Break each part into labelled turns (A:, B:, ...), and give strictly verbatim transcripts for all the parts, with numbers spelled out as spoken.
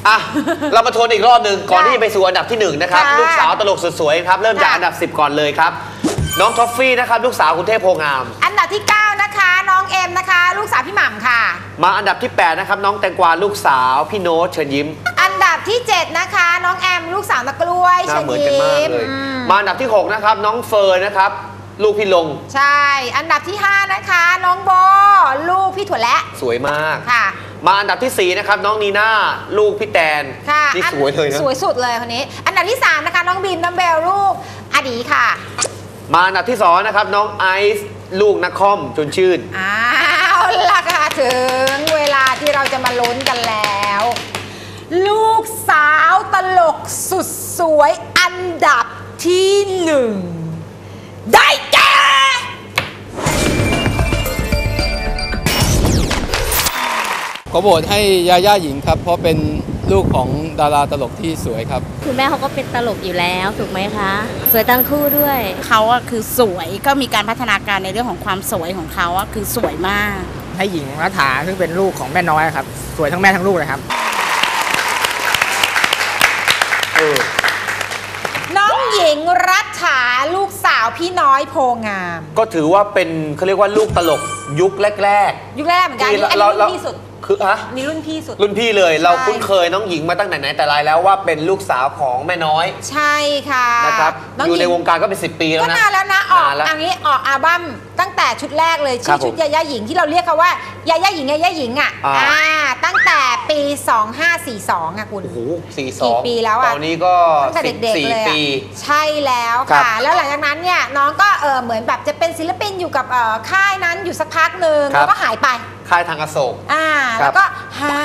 A: อ่ะเรามาทวนอีกรอบหนึ่งก่อนที่จะไปสู่อันดับที่หนึ่งนะครับลูกสาวตลกสุดสวยครับเริ่มจากอันดับสิบก่อนเลยครับน้องท็อฟฟี่นะครับลูกสาวคุณเทพโพงาม
B: อันดับที่เก้านะคะน้องเอ็มนะคะลูกสาวพี่หม่ำค่ะ
A: มาอันดับที่แปดนะครับน้องแตงกวาลูกสาวพี่โน้ตเชิญยิ้ม
B: อันดับที่เจ็ดนะคะน้องแอมลูกสาวนักกล้วยเชิญยิ้ม
A: มาอันดับที่หกนะครับน้องเฟิร์นนะครับลูกพี่ลง
B: ใช่อันดับที่ห้านะคะน้องโบลูกพี่ถั่วและ
A: สวยมาก
B: ค่ะ
A: มาอันดับที่สี่นะครับน้องนีน่าลูกพี่แตน
B: ค่ะ
A: นี่สวยเลยนะ
B: สวยสุดเลยคนนี้อันดับที่สามนะคะน้องบีมน้องเบลลูกอดีค่ะ
A: มาอันดับที่สองนะครับน้องไอซ์ลูกนักคอมจนชื่น
B: อ้าวล่ะค่ะถึงเวลาที่เราจะมาลุ้นกันแล้วลูกสาวตลกสุดสวยอันดับที่หนึ่งได้แก่
C: ขอโหวตให้ยาย่าหญิงครับเพราะเป็นลูกของดาราตลกที่สวยครับ
D: คุณแม่เขาก็เป็นตลกอยู่แล้วถูกไหมคะสวยทั้งคู่ด้วย
E: เขาอะคือสวยก็มีการพัฒนาการในเรื่องของความสวยของเขาอะคือสวยมาก
F: ให้หญิงรัฐาซึ่งเป็นลูกของแม่น้อยครับสวยทั้งแม่ทั้งลูกเลยครับ
B: น้องหญิงรัฐาลูกสาวพี่น้อยโพงาม
A: ก็ถือว่าเป็นเขาเรียกว่าลูกตลกยุคแรก
B: ๆยุคแรกเหมือนกันอันนี้รุ่นพี่สุด
A: คือฮะ
B: นี่รุ่นพี่สุด
A: รุ่นพี่เลยเราคุ้นเคยน้องหญิงมาตั้งแต่ไหนแต่ไรแล้วว่าเป็นลูกสาวของแม่น้อย
B: ใช่ค่ะ
A: นะครับอยู่ในวงการก็เป็นสิบปีแล้วนะ
B: ก็นานแล้วนะออกอันนี้ออกอัลบั้มตั้งแต่ชุดแรกเลยชื่อชุดยาย่าหญิงที่เราเรียกเขาว่ายาย่าหญิงยาย่าหญิงอ่ะอ่าตั้งแต่ปีสองห้าสี่สองอ่ะคุณ
A: โอ้โหสี่สอง
B: กี่ปีแล้วอ่ะ
A: ตอนนี้ก็
B: ตั้งแต่เด็กๆเลย
A: ปี
B: ใช่แล้วค่ะแล้วหลังจากนั้นเนี่ยน้องก็เออเหมือนแบบจะเป็นศิลปินอยู่กับค่ายนั้นอยู่สักพักหนึ่งแล้วก็หายไป
A: ค่ายทางอโศก
B: อ่าแล้วก็หาย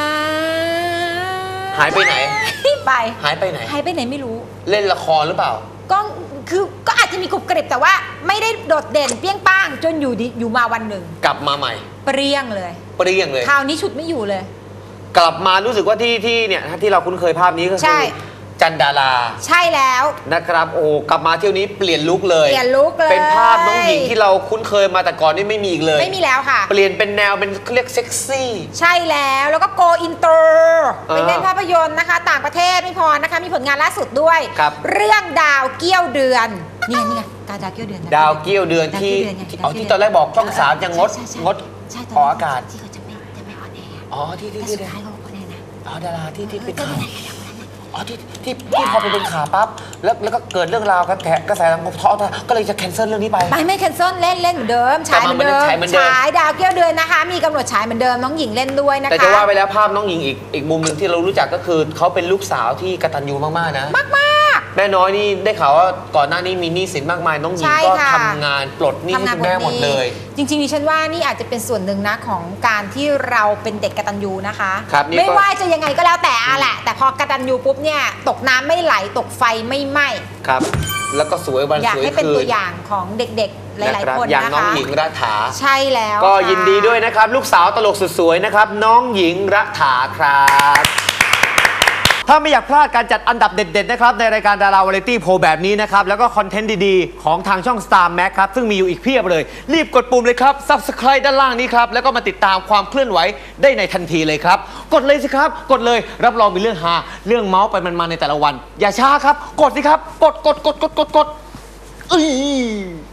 A: หายไปไหน
B: ไป
A: หายไปไหน
B: หายไปไหนไม่รู้
A: เล่นละครหรือเปล่า
B: ก็คือก็อาจจะมีกรุบกริบแต่ว่าไม่ได้โดดเด่นเปี้ยงป้างจนอยู่ดีอยู่มาวันหนึ่ง
A: กลับมาใหม่
B: เปรี้ยงเลย
A: เปรี้ยงเลย
B: คราวนี้ฉุดไม่อยู่เลย
A: กลับมารู้สึกว่าที่ที่เนี่ยที่เราคุ้นเคยภาพนี้ก็คือจันดารา
B: ใช่แล้ว
A: นะครับโอ้กลับมาเที่ยวนี้เปลี่ยนลุคเลย
B: เปลี่ยนลุคเลย
A: เป็นภาพน้องหญิงที่เราคุ้นเคยมาแต่ก่อนนี่ไม่มีอีกเลย
B: ไม่มีแล้วค่ะ
A: เปลี่ยนเป็นแนวเป็นเรียกเซ็กซี่
B: ใช่แล้วแล้วก็โกอินเตอร์เป็นเล่นภาพยนตร์นะคะต่างประเทศไม่พอนะคะมีผลงานล่าสุดด้วยเรื่องดาวเกี้ยวเดือนนี่ไงนี่ไงดาวเกี้ยวเดือน
A: ดาวเกี้ยวเดือนที่เอาที่ตอนแรกบอกช่องสามยังงดงดออกอากาศ
B: ที่เขาจะไม่จะไม่ออนแอร์
A: อ๋อที่ที่ที่
B: สุดท้ายเขาออนแอร์นะ
A: อ๋อดาราที่ที่เป็นอ๋อที่ที่ที่พอไปเป็นข่าวปั๊บแล้วแล้วก็เกิดเรื่องราวกระแสกระแสสังคมท้อก็เลยจะแคนเซิลเรื่องนี้ไป
B: ไปไม่แคนเซิลเล่นเล่นเหมือนเดิมฉายเหมือนเดิมฉายดาวเกี้ยวเดือนนะคะมีกำหนดฉายเหมือนเดิมน้องหญิงเล่นด้วยนะคะ
A: แต่จะว่าไปแล้วภาพน้องหญิงอีกอีกมุมหนึ่งที่เรารู้จักก็คือเขาเป็นลูกสาวที่กตัญญูมากๆนะ
B: มาก
A: ๆแม่น้อยนี่ได้ข่าวว่าก่อนหน้านี้มีหนี้สินมากมายน้องหญิงก็ทำงานปลดหนี้ให้คุณแม่หมดเลย
B: จริงๆดิฉันว่านี่อาจจะเป็นส่วนหนึ่งนะของการที่เราเป็นเด็กกตัญญูนะคะไม่ว่าจะยังไงก็แล้วแต่อะแหละแต่พอกตัญญูปุ๊บเนี่ยตกน้ำไม่ไหลตกไฟไม่ไหม้
A: ครับแล้วก็สวยวันสวยคืนอยาก
B: ให้เป็นตัวอย่างของเด็กๆหลายๆคนนะคะ
A: อย่างน้องหญิงรัฐา
B: ใช่แล้ว
A: ก็ยินดีด้วยนะครับลูกสาวตลกสุดสวยนะครับน้องหญิงรัฐาครับถ้าไม่อยากพลาดการจัดอันดับเด็ดๆนะครับในรายการดาราวาไรตี้โพลแบบนี้นะครับแล้วก็คอนเทนต์ดีๆของทางช่อง Star Max ครับซึ่งมีอยู่อีกเพียบเลยรีบกดปุ่มเลยครับ Subscribe ด้านล่างนี้ครับแล้วก็มาติดตามความเคลื่อนไหวได้ในทันทีเลยครับกดเลยสิครับกดเลยรับรองมีเรื่องฮาเรื่องเมาส์ไปมันๆในแต่ละวันอย่าช้าครับกดสิครับกดกดกดกดกดกดเอ้ย